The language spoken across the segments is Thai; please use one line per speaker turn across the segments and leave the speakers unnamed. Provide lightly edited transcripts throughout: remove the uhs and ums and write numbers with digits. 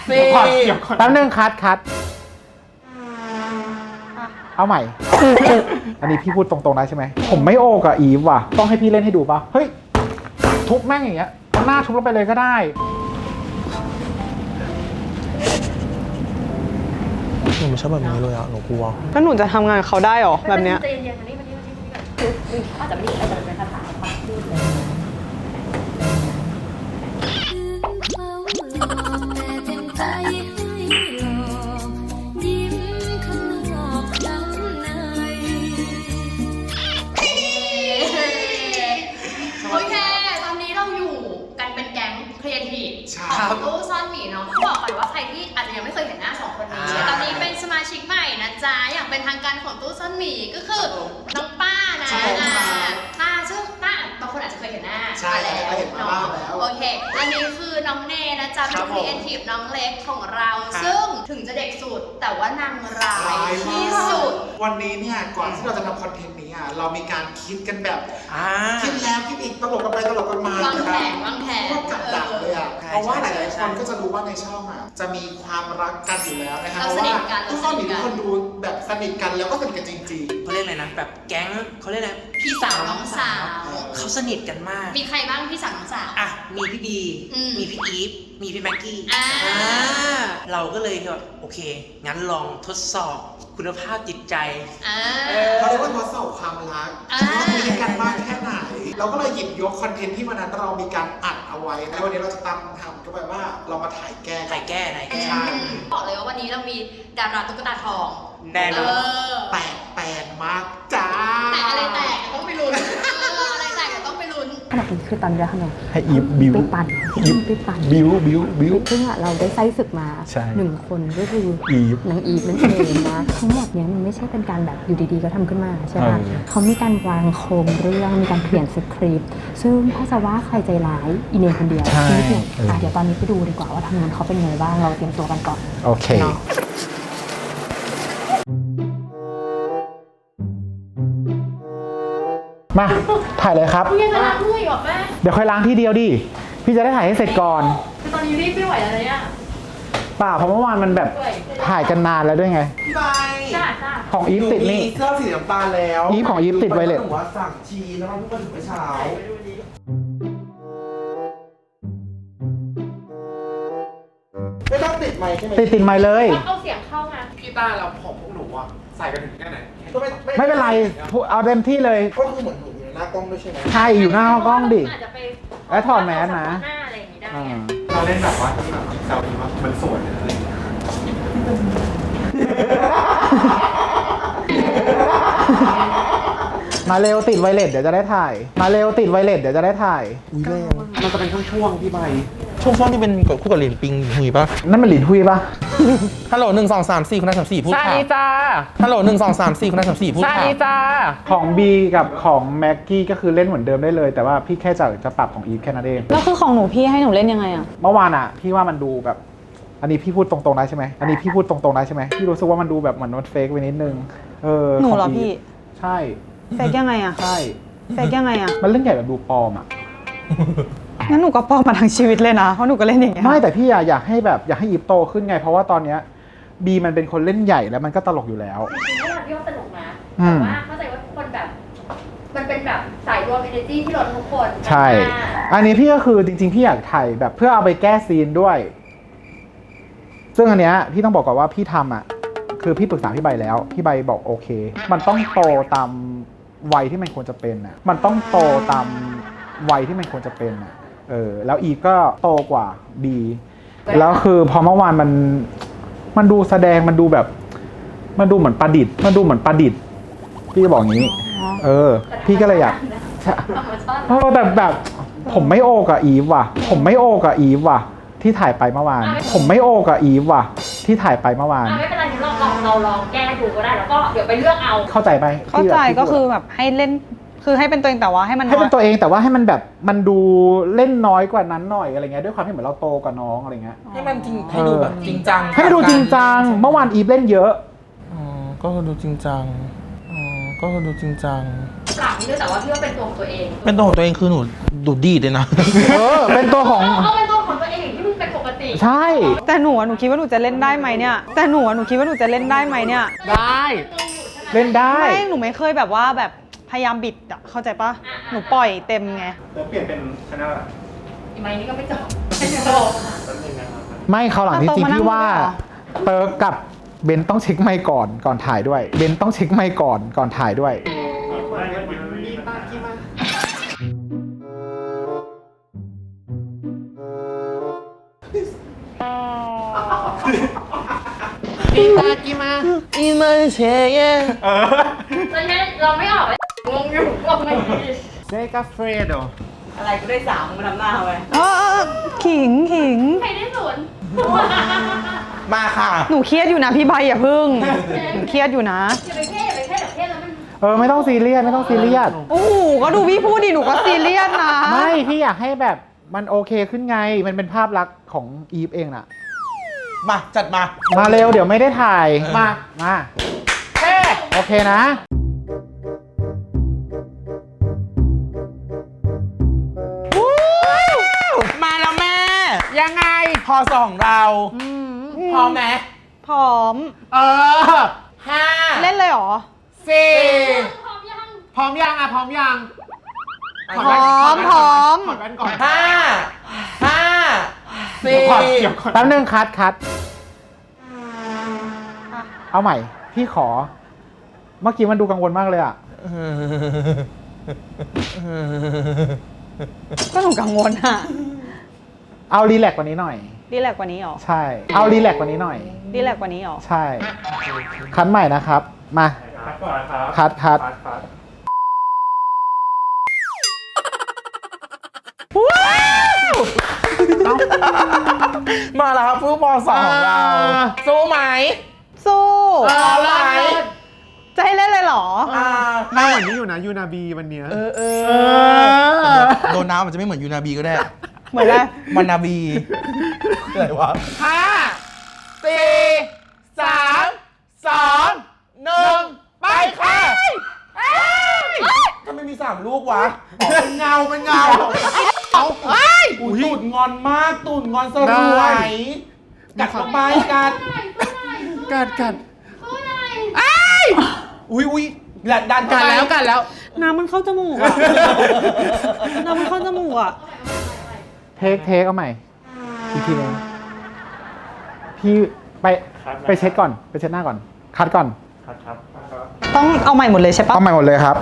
แป๊บนึงคัดเอาใหม่ อันนี้พี่พูดตรงๆได้ใช่ไหมผมไม่โอกับอีฟว่ะต้องให้พี่เล่นให้ดูป่ะเฮ้ยทุบแม่งอย่างเงี้ยเอาหน้าทุบลงไปเลยก็ได้
หนูไม่ชอบแบบนี้เลยอ่ะหนูกลัว
แล้วหนูจะทำงานกับเขาได้หรอแบบเนี้ย
ใจเย็นๆนี่คืออาจจะไม่ได้อาจจะเป็นคาถาความพูดเลยโอเคตอนนี้เราอยู่กันเป็นแก๊งครีเอทีฟของตู้ซ่อนหมีเนาะบอกก่อนว่าใครที่อาจจะยังไม่เคยเห็นหน้าสองคนนี้ตอนนี้เป็นสมาชิกใหม่นะจ๊ะอย่างเป็นทางการของตู้ซ่อนหมีก็คือน้องป้านะซึ่งป้าบางคนอาจจะเคยเห็นหน้าแล้วเนาะโอเคอันนี้คือน้องเนนะจ๊ะเป็นครีเอทีฟน้องเล็กของเราซึ่งถึงจะเด็กสุดแต่ว่านางร้ายที่สุด
วันนี้เนี่ยก่อนที่เราจะทำคอนเทนต์นี้เรามีการคิดกันแบบคิดแล้วคิดอีกตลกกันไปตลกกันมาว
างแผน
ก็กับดักเลยเพราะว่าหลายๆคนก็จะรู้ว่าในช่องจะมีความรักกันอยู่แล้วนะคะเพราะว่าทุกคนมีคนดูแบบสนิทกันแล้วก็สนิทกันจริงๆ
เขาเรียกอะไรนะแบบแก๊งเขาเรียกอะไร
พี่สาวน้องสาว
เขาสนิทกันมาก
มีใครบ้างพี่สาวน้องสาว
มีพี่บีมีพี่อีฟมีพี่แม็กกี้เราก็เลยแบบโอเคงั้นลองทดสอบคุณภาพจิตใจ
เขาเรียกว่าทดสอบความรักว่ามีกันมากแค่ไหนเราก็เลยหยิบยกคอนเทนต์ที่วันนั้นเรามีการอัดเอาไว้แล้ววันนี้เราจะทำก็แปลว่าเรามาถ่ายแก้
ใช่
บอกเลยว่าวันนี้เรามีดาราตุ๊กตาทอง
แน่นอน
แปลกมากจ้า
แต่อะไรแตกต้องไปลุ้นอะไรแตกต้องไปลุ้น
ขนาดนี้คือตอนนี้ค่ะ
ให้อีฟบิว
ไปปั่น
บิว
ซึ่งเราได้ไส้ศึกมา1 คนก็คือนางอีฟนั่นเองนะทั้งหมดเนี้ยมันไม่ใช่เป็นการแบบอยู่ดีๆก็ทำขึ้นมาใช่ไหมเขามีการวางโครงเรื่องมีการเขียนสคริปต์ซึ่งถ้าจะว่าใครใจร้ายอีเนคนเดียวนิดหนึ่งเดี๋ยวตอนนี้ไปดูดีกว่าว่าทางนั้นเขาเป็นไงบ้างเราเตรียมตัวกันก่อน
โอเคมาถ่ายเลยครับ
พี่จะล้างถ้วยหรอแม่
เดี๋ยวค่อยล้างที่เดียวดิพี่จะได้ถ่ายให้เสร็จก่อน
คือตอนนี้รีบไม่ไหวแล้วเนี่ย
ป่าเพราะเมื่อวานมันแบบถ่ายกันนานแล้วด้วยไง
พี่ใบ
ของอีฟติดนี่
เสื้อสีน้ำตาลแล้ว
อีฟของอีฟติดไวเลส
หนูว่าสั่งชีแล้วมันเพิ่งมาถึงเมื่อเช้าไม่ต้องติดไมค์ใช่ไหม
ติดไมค์เลย
เอาเสียงเข้ามา
พี่ต้าเราของพวกหนูใส่กันถึงแค่ไหน
ไม่เป็นไรเอาเต็มที่เลย
ก็คือเหมือนหนูอยู่หน้ากล้องด้วยใช่ไหม
ใช่อยู่หน้ากล้องดิแล้วถอดแมสนะ
เราเล่นแบบว่าที่แบบเซาดีว่ามันสวยอะไรอย่างเงี้ย
มาเร็วติดไวเลสเดี๋ยวจะได้ถ่ายมัน
จะเป็นช่วงพี่ใบ
ช่วงที่เป็นคู่กับหลินปิงหุยป่ะ
นั่นมันหลินหุยป่ะ
ฮัลโหล1 2 3 4คุณนาย34พูดค่ะ
สวัสดีจ้า
ฮัลโหล1 2 3 4คุณนาย34พูดค่ะ
สวัสดีจ้าของบีกับของแม็กกี้ก็คือเล่นเหมือนเดิมได้เลยแต่ว่าพี่แค่จะปรับของอีฟแค่นั้นเอง
แล้วคือของหนูพี่ให้หนูเล่นยังไงอะ
เมื่อวานอะพี่ว่ามันดูแบบอันนี้พี่พูดตรงๆได้ใช่ไหมพี่รู้สึกว่ามันดูแบบเหมือนมันเฟกไปนิดนึง
หนูเหรอพี่
ใช่
เฟกยังไงอะ
ใช่
เฟกยังไงอะ
มันเรื่องใหญ่แบบดูปลอมอะ
งั้นหนูก็ปลอมมาทั้งชีวิตเลยนะเพราะหนูก็เล่นอย่างเงี้ย
ไม่แต่พี่อยากให้อีฟโตขึ้นไงเพราะว่าตอนเนี้ยบีมันเป็นคนเล่นใหญ่แล้วมันก็ตลกอยู่แล้ว
จริงๆเวลาพี่ว่าตลกนะแต่ว่าเข้าใจว่าทุกคนแบบมันเป็นแบบสายรวม energy ที่เราทุกคน
ใช่อันนี้พี่ก็คือจริงๆพี่อยากถ่ายแบบเพื่อเอาไปแก้ซีนด้วยซึ่งอันเนี้ยพี่ต้องบอกก่อนว่าพี่ทำคือพี่ปรึกษาพี่ใบแล้วพี่ใบบอกโอเคมันต้องโตตามวัยที่มันควรจะเป็นแล้วอีก็โตกว่าบีแล้วคือพอเมื่อวานมันดูแสดงมันดูแบบมันดูเหมือนประดิษฐ์พี่ก็บอกอย่างนี้พี่ก็เลยอยากแต่แบบผมไม่โอกับอีฟว่ะที่ถ่ายไปเมื่อวานไม่
เป็นไรเราลองแก้ดูก็ได้แล้วก็เดี๋ยวไปเลือกเอา
เข้าใจไหม
เข้าใจก็คือแบบให้เล่นคือให้เป็นตัวเองแต่ว่าให้
เป็นตัวเองแต่ว่าให้มันแบบมันดูเล่นน้อยกว่านั้นหน่อยอะไรเงี้ยด้วยความที่เหมือนเราโตกว่าน้องอะไรเงี้ย
ให้มันจริงให้ดูแบบจริงจัง
ให้มันดูจริงจังเมื่อวานอีฟเล่นเยอะ
ก็ดูจริงจัง
ปรับนี่ด้วยแต่ว่าพี่ว่าเป็นตัวของตัวเอง
คือหนูดูดีเลยนะ
เป็นตัวของ
ตัวเองที่มึงเป็นปกติ
ใช่
แต่หนูคิดว่าหนูจะเล่นได้ไหมเนี่ยแต่หนูคิดว่าหนูจะเล่นได้ไหมเนี่ย
ได้เล่นได้
ไม่หนูไม่เคยแบบว่าแบบพยายามบิดอะเข้าใจปะหนูปล่อยเต็มไง
เปลี่ยนเป็นชนะ
อีไม้นี่ก็ไม่จบ
ไม่เขาวหลังที่จริงพี่ว่า
เอาโต๊ะมานั่งด้วยเหรอ
เติร์กกับเบนต้องเช็คไมค์ก่อนถ่ายด้วยเบนต้องเช็คไมค์ก่อนถ่ายด้วย
แล้วเนี่ยเราไม่ออกเลยงงอยู่ว่าไงดี
อะไรก็ได้3มันทำหน้าไปขิง
ใครได้ศูนย์
มาค่ะ
หนูเครียดอยู่นะพี่ใบอย่าพึ่งหนูเครียดอยู่นะ
อย่าไปเท่เดี๋ยวเท่แล้วมัน
ไม่ต้องซีเรียสไม่ต้องซีเรียส
โอ้โหก็ดูพี่พูดดิหนูก็ซีเรียสนะ
ไม่พี่อยากให้แบบมันโอเคขึ้นไงมันเป็นภาพลักษณ์ของอีฟเองน่ะ
มาจัดมา
มาเร็วเดี๋ยวไม่ได้ถ่ายมาโอเคนะ
มาแล้วแม่ ยังไง พอสองเราพร้อมไหม
พร้อม
5
เล่นเลยเหรอ
4
พร้อมยัง
พร้อมยังอ่ะพร้อมยัง
พร้อม
ถอดแว่นก่อน5 4
แป๊บนึงคัดเอาใหม่ พี่ขอ เมื่อกี้มันดูกังวลมากเลยอ่ะ
ก็หนูกังวลอะ
เอารีแลกซ์กว่านี้หน่อย
รีแลกซ์กว่านี้เหรอ
ใช่ เอารีแลกซ์กว่านี้หน่อย
รีแลกซ์กว่านี้เหรอ
ใช่ คัดใหม่นะครับ มาคัด
มาแล้วครับผู้ปอสองของเราสู้ไหม
สู้
อะไร
จะให้เล่นเลยเหรอ
หน้าเหมือนนี่อยู่นะยูนาบีวันเนี้ย
โดนน้ำมันจะไม่เหมือนยูนาบีก็ได้
เหมือนอะไร
มันนาบีอะไรวะ
5 4 3 2 1 ไปค่ะ
ถ้าไม่มี3ลูกวะ
เป็นเงาเอาตูดงอนมากตูดงอนสรวยกัดเข้าไปกัด
กัด
อุ้ยดัน
กัดแล้ว
น้ำมันเข้าจมูกอะ น้ำมันเข้าจมูกอะ
เทคเอาใหม่ อีกทีนึงพี่ไปเช็ดก่อน ไปเช็ดหน้าก่อน คัดก่อน
ต้องเอาใหม่หมดเลยใช่ปะ
เอาใหม่หมดเลยครับ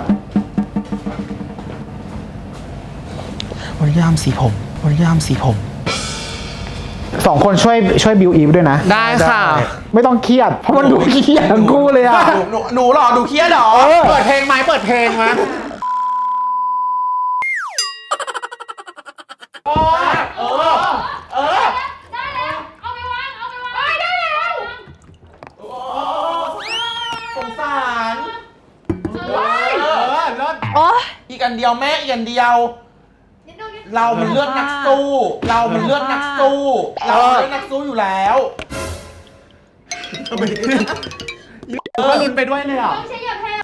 วันยามสีผม
2 คนช่วยบิวอีฟด้วยนะ
ได้ค่ะ
ไม่ต้องเครียด เพราะมันดูเครียดทั้งคู่เลยอ่ะ
หนูหรอดูเครียดหรอ
เปิดเพลงไหม
ได้แล้วเอาไปวางได้แล้ว
สงสาร
โอ๊ย
อีกอันเดียวแม่อีกอันเดียว
นิดนึง
เรามันเลือดนักสู้เรามันเลือดนักสู้อยู่แล้ว
ก็ลุ้นไปด้วยเลยอ่ะ
ไม่ใช่อย่าแพ้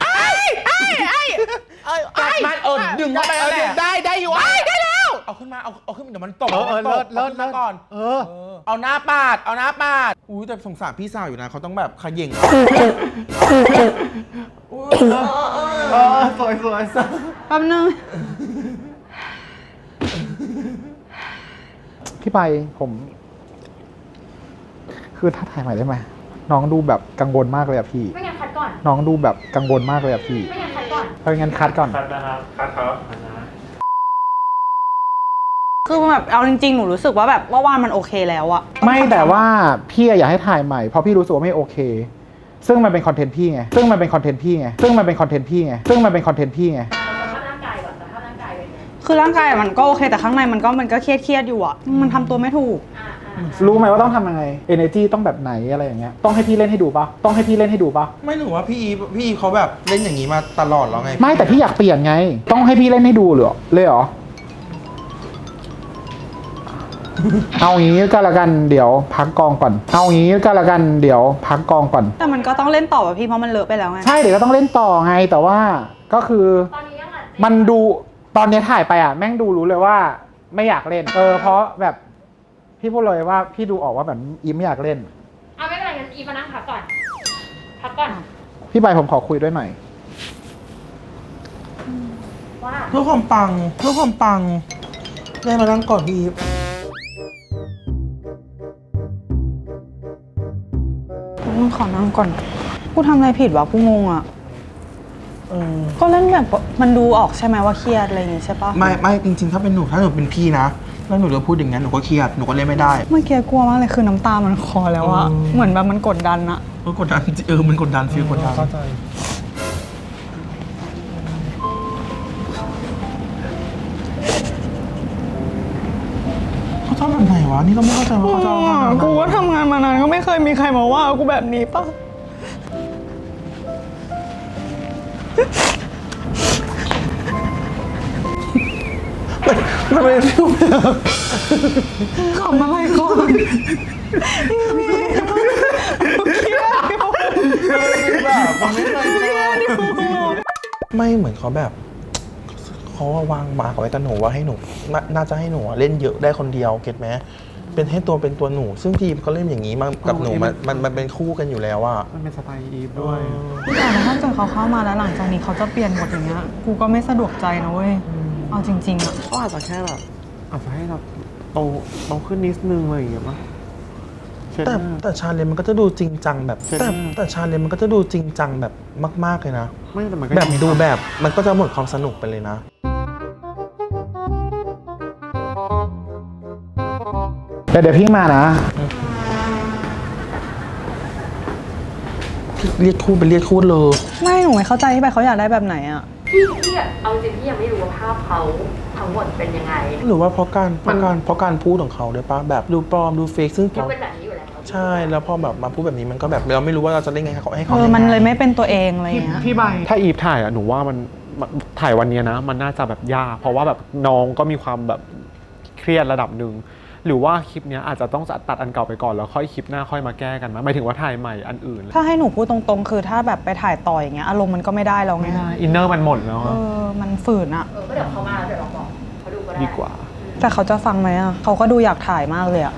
กัดมันดึงเข้าไปแล้วแหละ
ได้อยู่ได้แล้ว
เอาขึ้นมาเอาขึ้นมาเดี๋ยวมันตก
เลิศ
เอาขึ้นมาก่อน เอาหน้าปาด
อุ้ยแต่สงสารพี่สาวอยู่นะ เขาต้องแบบขย่ง
สวย
แป๊บนึง
พี่ไปผม คือถ้าถ่ายใหม่ได้ไหมน้องดูแบบกังวลมากเลยอะพี่
ไม่งั้นคัดก่อน
น้องดูแบบกังวลมากเลยอะพี่
ไม่งั้นคัดก่อน
เอางั้นคัดก่อน
คือแบบเอาจริงๆ หนูรู้สึกว่าแบบว่าวานมันโอเคแล้วอะ
ไม่แต่ว่าพี่อยากให้ถ่ายใหม่เพราะพี่รู้สึกว่าไม่โอเค ซึ่งมันเป็นคอนเทนต์พี่ไง
คือร่างกายมันก็โอเคแต่ข้างในมันก็เครียดอยู่อะมันทำตัวไม่ถูก
รู้ไหมว่าต้องทำยังไง energy ต้องแบบไหนอะไรอย่างเงี้ย ต้องให้พี่เล่นให้ดูปะ
ไม่หนูว่าพี่อีฟเขาแบบเล่นอย่างนี้มาตลอดแล้วไง
ไม่แต่พี่อยากเปลี่ยนไง ต้องให้พี่เล่นให้ดูเลยเหรอ เอางี้ก็แล้วกันเดี๋ยวพักกองก่อน
แต่มันก็ต้องเล่นต่อป่ะพี่เพราะมันเลอะไปแล้วไง
ใช่เดี๋ยวก็ต้องเล่นต่อไงแต่ว่าก็คือ
ตอนนี้ยังอ่ะ
มันดูตอนนี้ถ่ายไปอ่ะแม่งดูรู้เลยว่าไม่อยากเล่นเพราะแบบพี่พูดเลยว่าพี่ดูออกว่าแบบอีฟไม่อยากเล่น
เอาไม่เป็นไรงั้นอีมานั่งพักก่อน พักก่อน
พี่ใบผมขอคุยด้วยหน่อย
ว่า
เพื่อความปังได้มานั่งก่อนพี่อีฟ
ขอนั่งก่อน กูทำอะไรผิดวะกูงงอ่ะ ก็เล่นแบบมันดูออกใช่ไหมว่าเครียดอะไรอย่างงี้ใช่ปะ
ไม่จริงๆถ้าหนูเป็นพี่นะแล้วหนูจะพูดอย่างนั้นหนูก็เครียดหนูก็เล่นไม่ได้
เมื่อกี้กลัวมากเลยคือน้ำตามันคลอแล้วอะเหมือนแบบมันกดดันอะ
มันกดดันมันกดดันฟีลกดดันเข้าใจเขาชอบแบบไหนวะนี่ก็ไม่เข้าใจว่าเขาชอบแบบไหน
กูก็ทำงานมานานก็ไม่เคยมีใครมาว่ากูแบบนี้ปะ
มันเป็นฟีลแบบ
ขำอะไรก่อน
แบบมันไม่เคยเจอไม่เหมือนเขาแบบเขาวางมาร์กไว้กับหนูว่าให้หนูน่าจะให้หนูเล่นเยอะได้คนเดียวเก็ตไหมเป็นให้ตัวเป็นตัวหนูซึ่งทีมเขาเล่นอย่างนี้มากับหนูมันเป็นคู่กันอยู่แล้วอะ
มันเป็นสไตล์อีฟด้วย
แต่ถ้าเกิดเขาเข้ามาแล้วหลังจากนี้เขาจะเปลี่ยนหมดอย่างเงี้ยกูก็ไม่สะดวกใจนะเว้ยเอาจริงๆอะ
ก็อาจจะแค่แบบอาจจะให้เราโตขึ้นนิดนึงอะไรอย่างเงี้ยป่ะเช่น
แต่ชาเลนจ์มันก็จะดูจริงจังแบบแต่ชาเลนจ์มันก็จะดูจริงจังแบบมากๆเลยนะ
ไม่แต่มันก็
แบบดูแบบมันก็จะหมดความสนุกไปเลยนะ
แต่เดี๋ยวพี่มานะ
เรียกคู่เป็นเรียกคู่เลย
ไม่หนูไม่เข้าใจที่ไปเขาอยากได้แบบไหนอะ
พี่เอาจริงพี่ยังไม่รู้ว่าภาพเขาทั้งหมดเป็นยังไง
หรือว่าเพราะการพูดของเขาด้วยปะแบบดูปลอมดูเฟกซึ่ง
มันเป็นแบบนี้อยู่แล้ว
ใช่แล้วพอแบบมาพูดแบบนี้มันก็แบบเราไม่รู้ว่าเราจะเล่นไงให้เขา
มันเลยไม่เป็นตัวเองอะไรอย่างเงี้ย
พี่ใบถ้าอีฟถ่ายอ่ะหนูว่ามันถ่ายวันนี้นะมันน่าจะแบบยากเพราะว่าแบบน้องก็มีความแบบเครียดระดับหนึ่งหรือว่าคลิปเนี้ยอาจจะต้องตัดอันเก่าไปก่อนแล้วค่อยคลิปหน้าค่อยมาแก้กันมั้ยหมายถึงว่าถ่ายใหม่อันอื่น
ถ้าให้หนูพูดตรงๆ คือถ้าแบบไปถ่ายต่ออย่างเงี้ยอารมณ์มันก็ไม่ได้แล้วไง
ไม่ได้อินเนอร์มันหมดแล้ว
มันฝืนอะ
ก็เดี๋ยวเขามาแล้วเดี๋ยวเราบอกเขาดูก็ได้
ดีกว่า
แต่เขาจะฟังไหมอะเขาก็ดูอยากถ่ายมากเลยอะ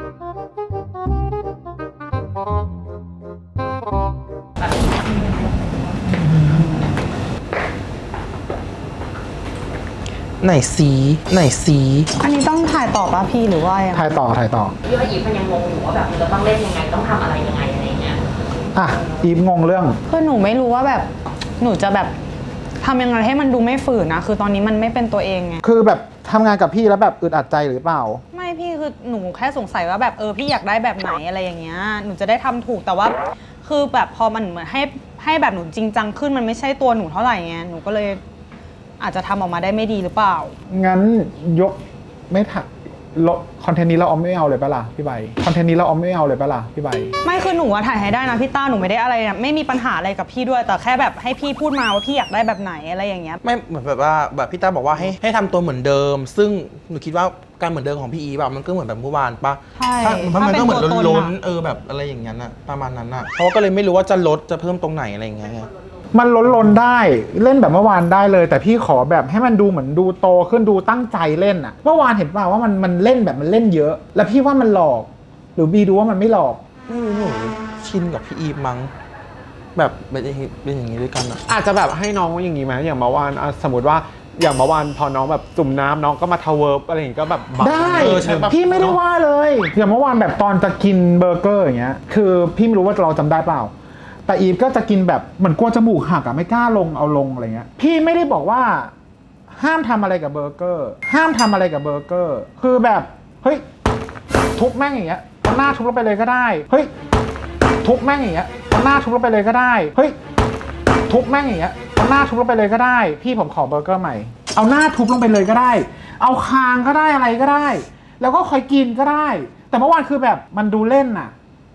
ไหนสี
อันนี้ต้องถ่ายต่อป่ะพี่หรือว่ายังไง
ถ่ายต่อ
พี่ว่าอีฟมันยังงงอยู่ว่าแบบมันจะต้องเล่นยังไงต้องทำอะไรยังไงอะไรเงี้ย
อ่ะ อีฟงงเรื่อง
คือหนูไม่รู้ว่าแบบหนูจะแบบทำยังไงให้มันดูไม่ฝืนนะคือตอนนี้มันไม่เป็นตัวเองไง
คือแบบทำงานกับพี่แล้วแบบอึดอัดใจหรือเปล่า
ไม่พี่คือหนูแค่สงสัยว่าแบบพี่อยากได้แบบไหนอะไรอย่างเงี้ยหนูจะได้ทำถูกแต่ว่าคือแบบพอมันเหมือนให้แบบหนูจริงจังขึ้นมันไม่ใช่ตัวหนูเท่าไหร่ไงหนูก็เลยอาจจะทำออกมาได้ไม่ดีหรือเปล่า
งั้นยกไม่ถักคอนเทนต์นี้เราเอาไม่เอาเลยปะล่ะพี่ใบคอนเทนต์นี้เราเอาไม่เอาเลยปะล่ะพี่ใบ
ไม่คือหนูอะถ่ายให้ได้นะพี่ต้าหนูไม่ได้อะไรนะไม่มีปัญหาอะไรกับพี่ด้วยแต่แค่แบบให้พี่พูดมาว่าพี่อยากได้แบบไหนอะไรอย่างเงี้ย
ไม่เหมือนแบบว่าแบบพี่ต้าบอกว่าให้ทำตัวเหมือนเดิม ซึ่งหนูคิดว่าการเหมือนเดิมของพี่อีแบบมันก็เหมือนแบบเมื่อวานปะ
ใช่
เพราะมันก็เหมือน
ถ้าเป็นตัวตน
ล้น
อะ
แบบอะไรอย่างนั้นอะประมาณนั้นอะเขาก็เลยไม่รู้ว่าจะลดจะเพิ่มตรงไหนอะไรอย่างเงี้ย
มันล้นได้เล่นแบบเมื่อวานได้เลย แต่พี่ขอแบบให้มันดูเหมือนดูโตขึ้นดูตั้งใจเล่นอะเมื่อวานเห็นป่าวว่ามันเล่นแบบมันเล่นเยอะ แล้วพี่ว่ามันหลอก หรือบีดูว่ามันไม่หลอก
ไม่รู้หนูชินกับพี่อีฟมั้งแบบเป็นอย่างนี้ด้วยกันอะ
อาจจะแบบให้น้องอย่างนี้ไหมอย่างเมื่อวานสมมติว่าอย่างเมื่อวานพอน้องแบบจุ่มน้ำน้องก็มาทาวเวิร์บอะไรอย่างงี้ก็แบบบัง
ได้
ใช่ปะ
พี่ไม่ได้ว่าเลยอย่างเมื่อวานแบบตอนจะกินเบอร์เกอร์อย่างเงี้ยคือพี่ไม่รู้ว่าเราจำได้เปล่าแต่อีฟก็จะกินแบบเหมือนกลัวจมูกหักอะไม่กล้าลงเอาลงอะไรเงี้ยพี่ไม่ได้บอกว่าห้ามทำอะไรกับเบอร์เกอร์ห้ามทำอะไรกับเบอร์เกอร์คือแบบเฮ้ยทุบแม่งอย่างเงี้ยเอาหน้าทุบลงไปเลยก็ได้เฮ้ยทุบแม่งอย่างเงี้ยเอาหน้าทุบลงไปเลยก็ได้เฮ้ยทุบแม่งอย่างเงี้ยเอาหน้าทุบลงไปเลยก็ได้พี่ผมขอเบอร์เกอร์ใหม่เอาหน้าทุบลงไปเลยก็ได้เอาคางก็ได้อะไรก็ได้แล้วก็ค่อยกินก็ได้แต่เมื่อวานคือแบบมันดูเล่นน่ะ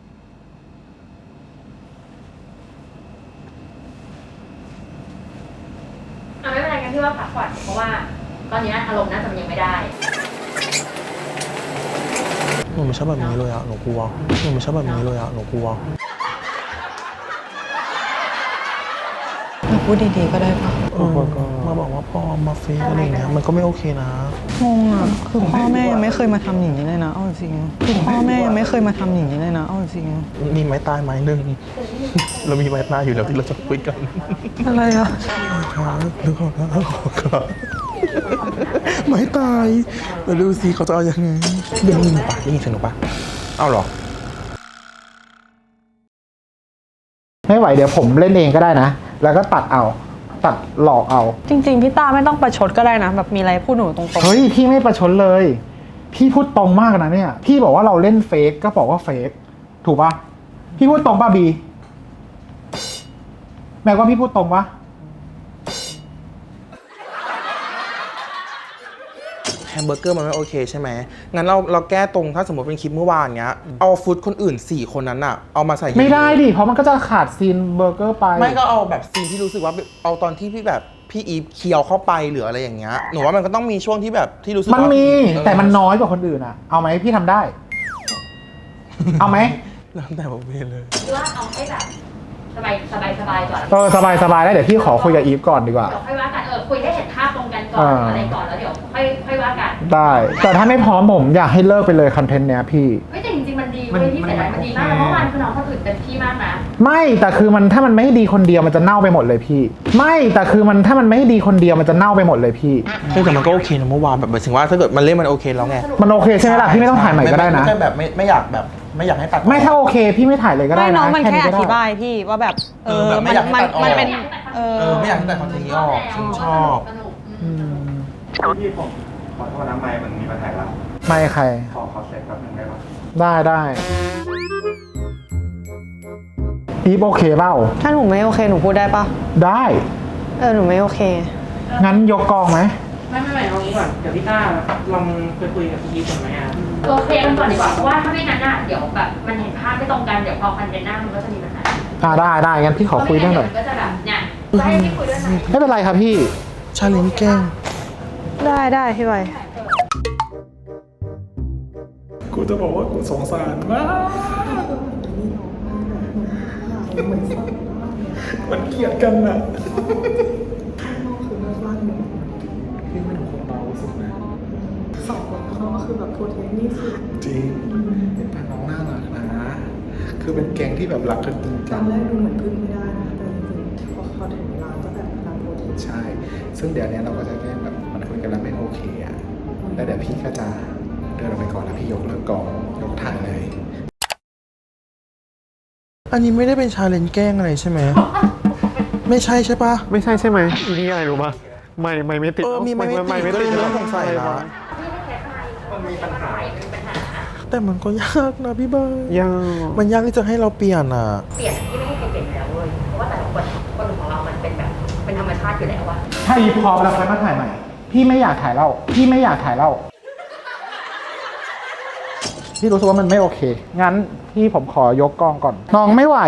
ไม่เป็นไรกันที่ว่าพักก่อนเพราะว่าตอนนี้อารมณ์น่าจะยังไม่ได้
หนูไม่ชอบแบบนี้เลยอะหนูกลัวหนูไม่ชอบแบบนี้เลยอะหนูกลัว
พพูดดีๆก็ได้ปะ
มาบอกว่าพ่อมาเฟซอะไรเงี้ยมันก็ไม่โอเคนะ
งงอ่ะคือพ่อแม่ยังไม่เคยมาทำอย่างนี้เลยนะเอาจริงคือพ่อแม่ยังไม่เคยมาทำอย่างนี้เลยนะเอาจริง
มีไม้ตายไม้หนึ่ง เรามีไม้ตายอยู่แล้วที่เราจะคุยกัน
อะไรอ่ะ
ครับนึกออกแล้วครับไม้ตายเราดูสิเขาจะเอายังไงได้ยินปะได้ยินเสียงหนูปะเอาเหรอ
ไม่ไหวเดี๋ยวผมเล่นเองก็ได้นะ แล้วก็ตัดหลอกเอา
จริงๆพี่ตาไม่ต้องประชดก็ได้นะแบบมีอะไรพูดหนูตรงๆ
เฮ้ยพี่ไม่ประชดเลย พี่พูดตรงมากนะเนี่ย พี่บอกว่าเราเล่นเฟกก็บอกว่าเฟกถูกปะพี่พูดตรงป่ะบีแม่ว่าพี่พูดตรงปะ
แฮมเบอร์เกอร์มันไม่โอเคใช่ไหมงั้นเราแก้ตรงถ้าสมมติเป็นคลิปเมื่อวานเงี้ยเอาฟุตคนอื่น4คนนั้นอะเอามาใส่
ไม่ได้ดิเพราะมันก็จะขาดซีนเบอร์เกอร์ไป
ไม่ก็เอาแบบซีนที่รู้สึกว่าเอาตอนที่พี่อีฟเคี้ยวเข้าไปหรืออะไรอย่างเงี้ยหนูว่ามันก็ต้องมีช่วงที่แบบที่รู้สึกว่า
มันมี
เออ
แต่มันน้อยกว่าคนอื่นอะเอาไหมพี่ทำได้ เอาไหม
แล้วแต่ผมเองเลย
หรือว่าเอาให้แบบสบายก่อน
สบายแล้วเดี๋ยวพี่ขอคุยกับอีฟก่อนดีกว่า
เดี๋ยวค่อยว่ากันคุยให้เห็นภาพตรงกันก่อนอะไรก่อนแล้วเดี๋ยวค่อยว่ากัน
ได้ แต่ถ้าไม่พร้อมผมอยากให้เลิกไปเลยคอนเทนต์เนี้ยพี่
ไม่แต่จริงๆมันดีเว้ยพี่เสียดายมันดีมากเมื่อวานคือน้องคนอื่นเต็มที่มากนะ
ไม่แต่คือมันถ้ามันไม่ดีคนเดียวมันจะเน่าไปหมดเลยพี่ ไม่แต่คือมันถ้ามันไม่ดีคนเดียวมันจะเน่าไปหมดเลยพี่
แต่มันก็โอเคนะเมื่อวานแบบหมายถึงว่าถ้าเกิดมันเล่นมันโอเคแล้วไง
มันโอเคใช่ไหมล่ะพี่ไม่ต้องถ่ายใหม่ก็ได้นะ
ไม่ใช่แบบไม่อยากแบบไม่อยากให้ตัด
ไม่ถ้าโอเคพี่ไม่ถ่ายเลยก็ได้
ไม่
นะ
น้องมันแค่อ
ก็ได้
ธิบายพี่ว่าแบบ
แบบไม่อยากให้ตัดออก
มันเป็น
ไม่อยากให้ตัดคอนเทนต์นี้ออกฉันชอบ
สนุก
พี่ผมขอโทษนะไมค์มันมีปัญหาแล้ว
ไม่ใคร
ขอเช็คแป๊บนึงได้ปะ
ได้อีฟโอเคเปล่า
ถ้าหนูไม่โอเคหนูพูดได้ปะ
ได้
หนูไม่โอเค
งั้นยกกองไหม
ไม่เอางี้ก่อนเดี๋ยวพี่ต้าลองคุยกับพี่ก่อนไหมอ่ะ
ตัวเคลียร์กันก่อนดีกว่าเพราะว่าถ้าไม่งั้นอ่ะเดี๋ยวแบบมันเห็นภาพไม่ตรงกันเดี๋ยวพอคอนเทนต์หน้ามันก็จะมีปัญหา
ได้งั้นพี่ขอคุยด้วยหน่อย
ก็จะแบบเนี่ยจะให้พี่คุยด้วยไหม
ไม่เป็นไรครับพี่
ชาเลนจ์แกล้ง
ได้พี่ใบ
กูจะบอกว่ากูสงสารมากมันเกลียดกันนะพี่ไม่ถูกคนเบาสุดนะสองคนเขาก็คือแบบโปรเทคนี่สุดจริงเป็นพี่น้องน่ารักนะคือเป็นแก๊งที่แบบรักกันจริงจัง
ตอนแรกดูเหมือนพึ่งไม่ได้นะแต่จริงๆพอถึงเวลาก็แบบตามโปรเทค
ใช่ ซึ่งเดี๋ยวนี้เราก็จะแค่แบบมันคุยกันแล้วไม่โอเคอ่ะแล้วเดี๋ยวพี่ก็จะเดินออกไปก่อนแล้วพี่ยกเลิกกองยกถ่ายเลย
อันนี้ไม่ได้เป็นชาเลนจ์แกล้งอะไรใช่ไหม ไม่ใช่ใช่ปะ
ไม่ใช่ใช่ไหมอีนี่อะไรรู้ปะไม่ติด
มีไม่ติดก็เลยน่าสงสัยนะ
มันมีปัญหา
แต่มันก็ยากนะพี่เบิร์ด
ยาก
มันยากที่จะให้เราเปลี่ยนอ่ะ
เปลี่ยนที่ไม่ให้ใครเปลี่ยนแล้วเว้ยเพราะว่าแต่ละคนของเรามันเป็นแบบเป็นธรรมชาติอยู่แล้วอะ
ถ้าอีพร้อมแล้วค่อยมาถ่ายใหม่ พี่ไม่อยากถ่ายเล่าพี่รู้สึกว่ามันไม่โอเค งั้นพี่ผมขอยกกองก่อน น้องไม่ไหว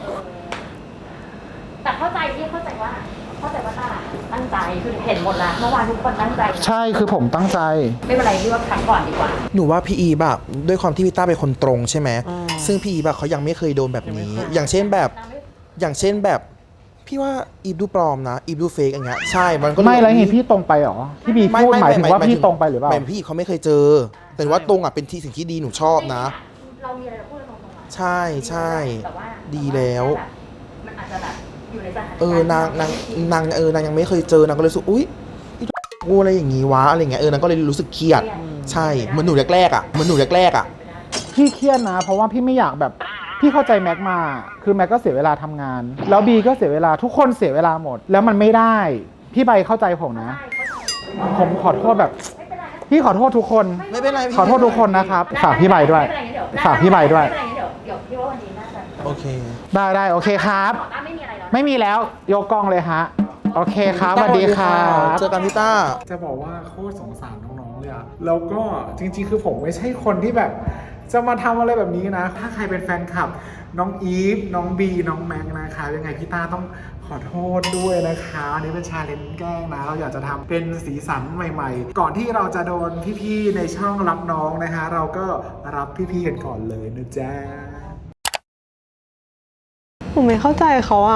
แต่เข้าใจว่าตั้งใจคือเห็นหมดแล้วเมื่อวานทุกคนตั้งใจ
ใช่คือผมตั้งใจ
ไม่เป็นไรที่ว่าพักก่อนดีกว่า
หนูว่าพี่อีแบบด้วยความที่พี่ต้าเป็นคนตรงใช่ไหมซึ่งพี่อีแบบเขายังไม่เคยโดนแบบนี้ อย่างเช่นแบบพี่ว่าอีฟดูปลอมนะอีฟดูเฟกอย่างเงี้ยใช่มันก็
ไม่แล้วไงพี่ตรงไปเหรอที่บีพูดหมายถึงว่าพี่ตรงไปหรือเปล่า
ไม่พี่เขาไม่เคยเจอ แต่ว่าตรงอ่ะเป็นที่สิ่งที่ดีหนูชอบนะ
เรามีอะไรเราพูดตรงๆ
ใช่
แต่ว่า
ดีแล้ว
มันอาจจะแบบอยู่ในสถานการณ์
นางยังไม่เคยเจอนางก็เลยรู้สึกอุ๊ยกูอะไรอย่างงี้วะอะไรเงี้ยนางก็เลยรู้สึกเครียดใช่เหมือนหนูแรกๆอ่ะ
พี่เครียดนะ เพราะว่าพี่ไม่อยากแบบพี่เข้าใจแม็กมาคือแม็กก็เสียเวลาทำงาน แล้วบีก็เสียเวลาทุกคนเสียเวลาหมด แล้วมันไม่ได้พี่ใบเข้าใจผมนะ ผมขอโทษแบบพี่ขอโทษทุกคน
ไม่เป็นไร
ขอโทษทุกคนนะครับฝากพี่ใบด้วยฝากพี่ใบด้วย
ไม่เป็นไรเดี๋ยวพี่ว่าวันนี้น่าจะ
โอเค
ได้โอเคครับ
ไม่มีอะไรแล้ว
ไม่มีแล้วยกกล้องเลยฮะโอเคครับสวัสดีครับ
เจอกันพี่ต้า
จะบอกว่าโคตรสงสารน้องๆเลยอะแล้วก็จริงๆคือผมไม่ใช่คนที่แบบจะมาทำอะไรแบบนี้นะถ้าใครเป็นแฟนคลับน้องอีฟน้องบีน้องแม็กนะคะยังไงพี่ต้าต้องขอโทษด้วยนะคะอันนี้เป็นชาเลนจ์แกล้งนะเราอยากจะทำเป็นสีสันใหม่ๆก่อนที่เราจะโดนพี่ๆในช่องรับน้องนะคะเราก็รับพี่ๆกันก่อนเลยนะจ๊ะ
ผมไม่เข้าใจเขาอะ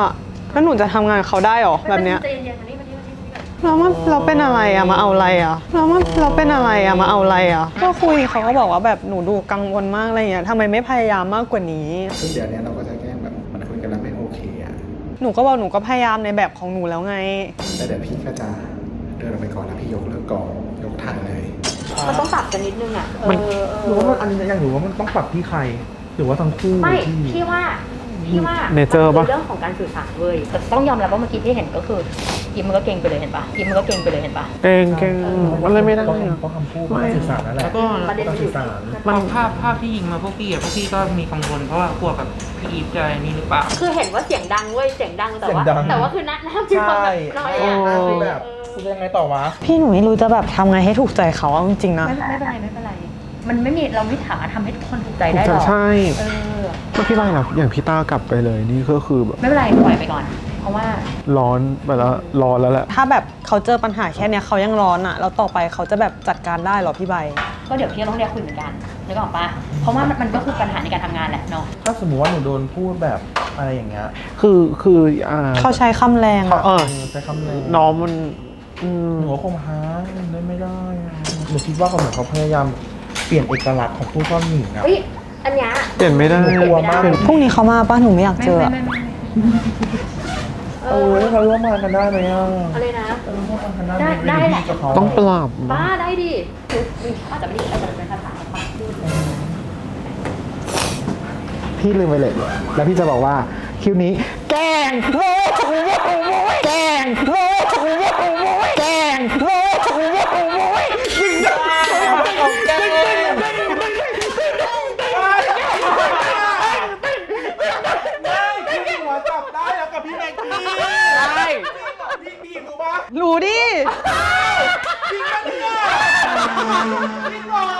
แล้วหนูจะทำงานกับเขาได้หรอแบบเนี้ย
ใจเย็นๆมานี่ก่อน
เราเป็นอะไรอะมาเอาอะไรอะเราเป็นอะไรอะมาเอาอะไรอะก็คุยเขาก็บอกว่าแบบหนูดูกังวลมากอะไรเงี้ยทำไมไม่พยายามมากกว่านี้
ซึ่งเดี๋ยวนี้เราก็จะแกล้งแบบมันคุยกันแล้วไม่โอเคอะ
หนูก็บอกหนูก็พยายามในแบบของหนูแล้วไง
แต่เดี๋ยวพี่ก็จะเดินออกไปก่อนแล้วพี่ยกเลิกก่อนยกทันเลย
มันต้องปรับกันนิดนึงอ่ะ
หรือว่ามันอันนี้อย่างหนูว่ามันต้องปรับที่ใคร หรือว่าทั้งคู่
ไม่
ที่
พี่ว่า
Nature
มัน
ปะ
คือเรื่องของการสื่อสารเว้ยแต่ต้องยอมรับว่าเมื่อกี้ที่เห็นก็คือยิ้มมันก็เก่งไปเลยเห็นปะยิ้มมันก็เก่งไปเลยเห็นปะ
เก่งมันเลยไม่ได้
ต้อง
อะ
ต้องคำพูดต้องสื่อสารนั่นแหละ
แล้วก็
ประเด็น
ต้อง
อยู่
สื่อสาร
มันภาพที่ยิงมาพวกพี่ก็มีกังวลเพราะว่ากลัวกับพี่อีฟจะนี่หรือเปล่า
คือเห็นว่าเสียงดังเว้ยเสียงดังแต่ว่า
เสียงดัง
แต่ว่าคือหน้ามีความแบบน้อย
ใช่
อ่ะ
คือแบบคือยังไงต่อวะ
พี่หนูไม่รู้จะแบบทำไงให้ถูกใจเขาเอาจริงๆนะ
ไม่เป็นไร มันไม่มีเราไม่สามารถทำให้ทุกคนถูกใจได้หรอก
ใช่
เออ
ก็พี่ไล่นะอย่างพี่ต้ากลับไปเลยนี่ก็คือแบบ
ไม่เป็นไรปล่อยไปก่อน เพราะว่า
ร้อนไปแล้วร้อนแล้วแหละ
ถ้าแบบเขาเจอปัญหาแค่เนี้ยเขายังร้อนอะแล้วต่อไปเขาจะแบบจัดการได้เหรอพี่ใบ
ก็เดี๋ยวพี่ต้องเรียกคุยเหมือนกันนึกออกปะเพราะว่ามันก็คือปัญหาในการทำงานแหละเนาะ
ถ้าสมมติว่าหนูโดนพูดแบบอะไรอย่างเงี้ย
คือ
เขาใช้คำแรงอะ
ใช้คำเลย
น้องมัน
หนูก็คงหาไม่ได้อะหนูคิดว่าเขาเหมือนเขาพยายามเปลี่ยนเอกลักษณ์ของผู้ซ่อนหญิงอะ
เฮ้ยอันเนี้ย
เปลี่ยนไม่ได้
กลัวมาก
พรุ่งนี้เขามาป่ะหนูไม่อยากเจออะ
โอ้ยเราร่วมงานกันได้ไหมอ่ะ
อะไรนะ
เราร่วมงานกันได้
ได้แหละ
กับเขา
ต้องปรับ
บ้าได้ดิคืออาจจะไม่ได้อาจจะเป็นภาษาปากพูด
พี่ลืมไปเลย แล้วพี่จะบอกว่าคิวนี้แกงโว้แกงโว้แกงโว้ยิงได้พี่หัวจับได้แล้วกับพี่แม็กกี้ได้พี่รู้ปะ
รู้ดิ
จริงปะเนี่ยจริงเหรอ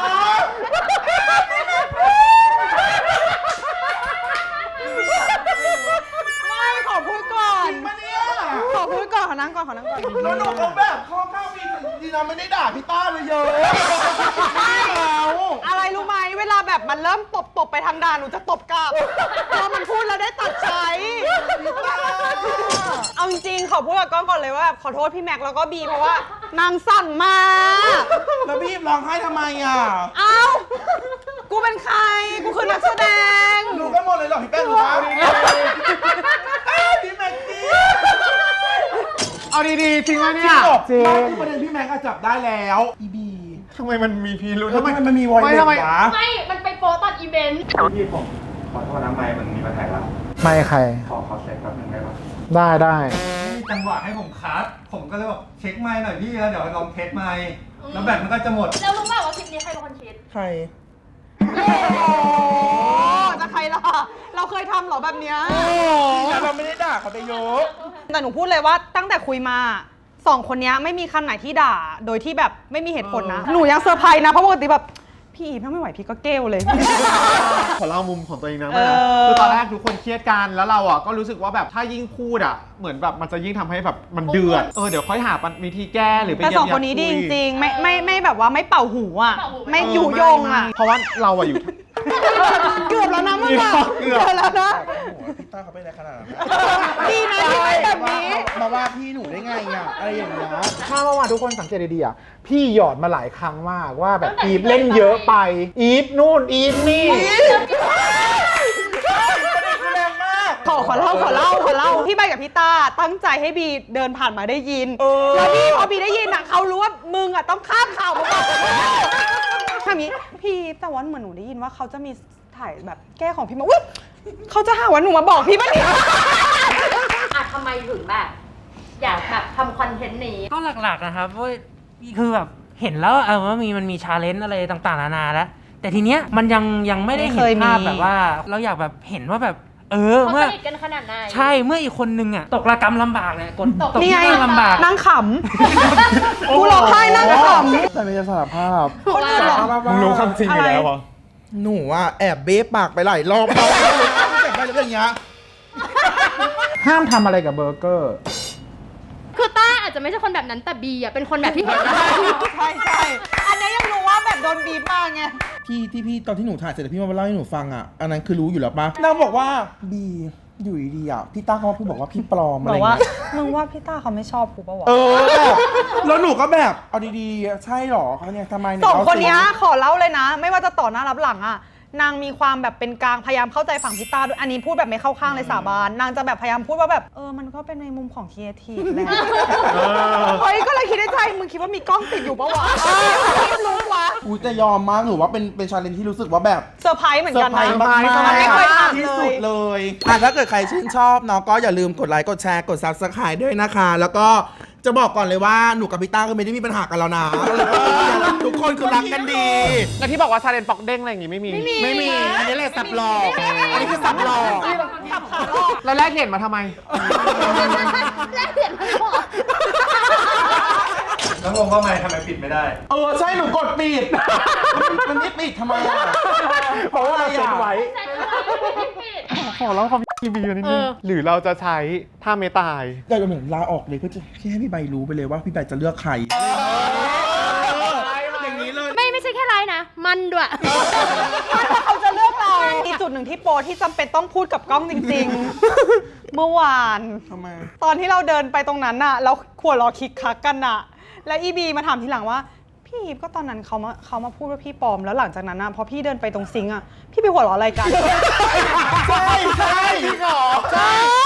ไม่ขอพูดก่อน
มาเนี่ย
ขอพูดก่อนขอนั่งก่อน
แล้วหนูเขาแบบข้อข้าวมีดีนะไม่ได้ด่าพี่ต้าเลยเยอะไม่เอา
อะไรรู้ไหมเวลาแบบมันเริ่มตบไปทางด่าหนูจะตบกลับพอมันพูดแล้วได้ตัดใช้เอาจริงๆขอพูดกับก้องก่อนเลยว่าแบบขอโทษพี่แม็กแล้วก็บีเพราะว่านางสั่งมา
แล้วพี่ร้องไห้ทำไมอ่ะ
เอ้ากูเป็นใครกูคือนักแสดง
หนูก็หมดเลยหรอพี่แป้งหนูปะพี่แม็กกี้
เอาดีๆจริงไหมเนี่ย
จริงประเด็นพี่แม็กก็จับได้แล้วอีบี
ทำไมมันมีพีรุธ
แล้วมันมีวอยเล็ตวะ
ไม่ มันไปโป๊ตอนอีเวนต์
พี่ผมขอโทษนะไมค์มันมีปัญหาแล้ว
ไม่ใคร
ขอเช็คแป๊บนึงได้ปะ
ได้
ไม่มีจังหวะให้ผมคัดผมก็เลยบอกเช็คไมค์หน่อยพี่แล้วเดี๋ยวลองเทสไมค์แล้วแบตมันก็จะหมด
แล้วรู้เปล่าว่าคลิปนี้ใครเป็นคนคิด
ใคร
จะใครล่ะเราเคยทำเหรอแบบเนี้ย
เราไม่ได้ด่าเขาไปเยอะ
แต่หนูพูดเลยว่าตั้งแต่คุยมาสองคนเนี้ยไม่มีคำไหนที่ด่าโดยที่แบบไม่มีเหตุผลนะ หนูยังเซอร์ไพรส์นะเพราะปกติแบบพี่อีฟถ้าไม่ไหวพี่ก็เกลเลย
ขอเล่ามุมของตัวเองนะ
เออ
คือตอนแรกทุกคนเครียดกันแล้วเราอ่ะก็รู้สึกว่าแบบถ้ายิ่งพูดอ่ะเหมือนแบบมันจะยิ่งทำให้แบบมันเดือดเดี๋ยวค่อยหาวิธีแก้หรือไป
แต่
เยีย
ส
ว
อง
ยา
คนนี้ดี
คุ
จ
ย
ริงๆไม่แบบว่าไม่เป่าหูอ่ะไม่ยุยงอ่ะ
เพราะว่าเราอ่ะอยู่
เกือบแล้วนะมึงอ่ะ
เกือบ
แล้วนะ
พี่ต้าเขาเป็นอะไรขนาดนั้น
ดีนะที่ไม่แบบนี้
มาว่าพี่หนูได้ไงอ่ะ อะไรอย่างเงี้ย
ถ้าเมื่อวานทุกคนสังเกตดีๆอ่ะพี่หยอดมาหลายครั้งมากว่าแบบอีฟเล่นเยอะไป อีฟนู่นอีฟนี่
ขอเล่าพี่ใบกับพี่ตาตั้งใจให้บีเดินผ่านมาได้ยินแล้วพี่พอบีได้ยินอ่ะเขารู้ว่ามึงอ่ะต้องข้ามข่าวมาบอกทำนี้พี่แต่ว่าเหมือนหนูได้ยินว่าเขาจะมีถ่ายแบบแก้ของพี่มาอุ๊ยเขาจะหาว่าหนูมาบอกพี่ป่ะเนี่ย
ทำไมถึงแบบอยากแบบทำคอนเทนต์นี้
ก็หลักๆนะครับว่าคือแบบเห็นแล้วว่ามันมีชาเลนจ์อะไรต่างๆนานาแล้ว แต่ทีเนี้ยมันยังไม่ได้เห็นภาพแบบว่า เราอยากแบบเห็นว่าแบบ
เขา
เมื่อ
สนิทกันขนาดไหน
ใช่เมื่ออีกคนนึงอ่ะตกระกรรมลำบากเนี่ยตก
นี่
ที่
ไง
นั่งลำบาก
นั่งขำกูร้องไห้นั่งขำ
แต่ไม่จะสารภาพ
คนอื่นเหรอ
มึงรู้คำจริงอยู่แล้วเหรอ
หนูว่าแอบเบ๊ปากไปหลายรอบแล้วเจ็บไปแล้วอย่างเงี้ย
ห้ามทำอะไรกับเบอร์เกอร์
คือต้าอาจจะไม่ใช่คนแบบนั้นแต่บีอ่ะเป็นคนแบบที่เห็นแล้ว
ใช่อันนี้ยังรู้ว่าแบบโดนบีบมาไง
พี่ตอนที่หนูถ่ายเสร็จแล้วพี่มาเล่าให้หนูฟังอ่ะ อันนั้นคือรู้อยู่แล้วปะนางบอกว่าบีอยู่ดีๆอ่ะพี่ต้าเขามาพูดบอกว่าพี่ปลอมอะไร
บอกว่า
เงี้ย
มึงว่าพี่ต้าเขาไม่ชอบกูปะวะ
แบบแล้วหนูก็แบบเอาดีๆใช่หรอเขาเนี่ยทำไมเย
สองคนเนี้ย
เล่าสิ
ขอเล่าเลยนะ ไม่ว่าจะต่อหน้ารับหลังอะนางมีความแบบเป็นกลางพยายามเข้าใจฝั่งพี่ต้าด้วยอันนี้พูดแบบไม่เข้าข้างเลยสาบานนางจะแบบพยายามพูดว่าแบบมันก็เป็นในมุมของครีเอทีฟแหละเฮ้ยก็เลยคิดในใจมึงคิดว่ามีกล้องติดอยู่ปะวะรู้วะ
อุ้ยแต่ยอมมากหนูว่าเป็นชาเลนจ์ที่รู้สึกว่าแบบ
เซอร์ไพรส์เหมือน
เซอ
กัน
ร์ไพร
นะ
ส์มาก
ไม่เคยทำ
ที่
เล
สุ
ย
ดเลยถ้าเกิดใครชื่นชอบเนาะก็อย่าลืมกดไลค์กดแชร์กด Subscribe ด้วยนะคะ แล้วก็จะบอกก่อนเลยว่าหนูกับพี่ต้าก็ไม่ได้มีปัญหากันแล้วนะทุกคนคือรักกันดี
แล้วที่บอกว่าชาเลนจ์ปอกเด้งอะไรอย่างงี้ไม่มี
ไม่มีอันนี้แหละสับหลอกอันนี้คือสับหลอก
แล้วแลกเหรียญมาทำไม
แลกเหรียญไม่พอ
แล้วงงว่าไม่ทำไมปิดไม่ได้
ใช่หนูกดปิดมันไม่ปิดทำไมอ่ะ
เพราะว่าเราเซ็ตไว้
แต่ไม่ปิด
ขอเล่าความทีวีนิดนึงหรือเราจะใช้ท่าเมตาย
อยากจะเหมือนลาออกเลยเพื่อจะให้พี่ใบรู้ไปเลยว่าพี่ใบจะเลือกใครอย่างนี้เลย
ไม่ใช่แค่ไลน์นะ มันด้วย
เขาจะเลือกเราอีกจุดหนึ่งที่โปรที่จำเป็นต้องพูดกับกล้องจริงๆ เมื่อวาน
ทำไม
ตอนที่เราเดินไปตรงนั้นน่ะแล้วขวดรอคิกคักกันน่ะ แล้วอีบีมาถามทีหลังว่าพี่อีฟก็ตอนนั้นเขามาพูดว่าพี่ปลอมแล้วหลังจากนั้นน่ะพอพี่เดินไปตรงซิงค์อ่ะพี่ไปหัวเราะอะไรกัน
ใช่จริงเหรอ
ใช่